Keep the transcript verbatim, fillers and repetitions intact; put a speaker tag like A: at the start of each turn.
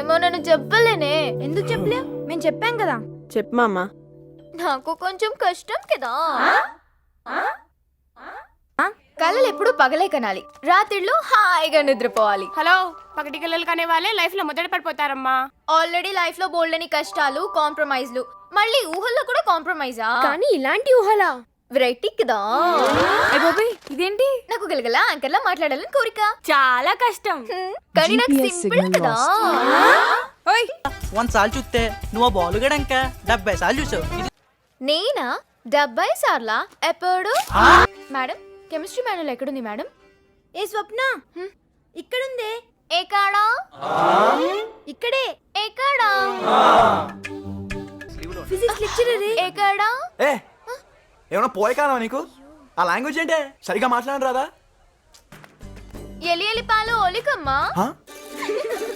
A: ఏమో నేను చెప్పలేనే.
B: ఎందుకు చెప్పలేవు? మేము చెప్పాం కదా.
C: చెప్పు మామా.
A: నాకు కొంచెం కష్టం కదా. కళలు ఎప్పుడు పగలే కనాలి, రాత్రిళ్ళు హాయిగా నిద్రపోవాలి.
D: హలో, పగటి కలలు కనే వాళ్ళే లైఫ్ లో మొదట పడిపోతారమ్మా.
A: ఆల్రెడీ లైఫ్ లో బోల్డని కష్టాలు, కాంప్రమైజ్లు, మళ్ళీ ఊహల్లో కూడా కాంప్రమైజా?
B: కానీ ఇలాంటి ఊహలా?
A: వెరైటీ కదా.
D: ఇదేంటి?
A: నాకు గలగల యాంకర్లా మాట్లాడాలని కోరిక.
D: చాలా కష్టం.
A: హ్మ్, కానీ నాకు సింపుల్ కదా.
E: వంద సార్లు చూస్తే నువ్వు బాల్ గడంక డెబ్బై సార్లు చూసావు.
A: నేనా డెబ్బై సార్లా? ఎప్పుడు? మేడం, కెమిస్ట్రీ మాన్యుల్ ఎక్కడుంది మేడం?
B: ఏ స్వప్న, ఇక్కడుందే.
A: ఏకాడా?
B: ఇక్కడే.
A: ఏకాడా?
B: Physics lecturer.
A: ఏకాడా?
F: ఏ ఏమన్నా పోయే కాలం నీకు? ఆ లాంగ్వేజ్ ఏంటే? సరిగా మాట్లాడరాదా?
A: ఎలి ఎలి పాలు ఒలికమ్మా.
F: హ?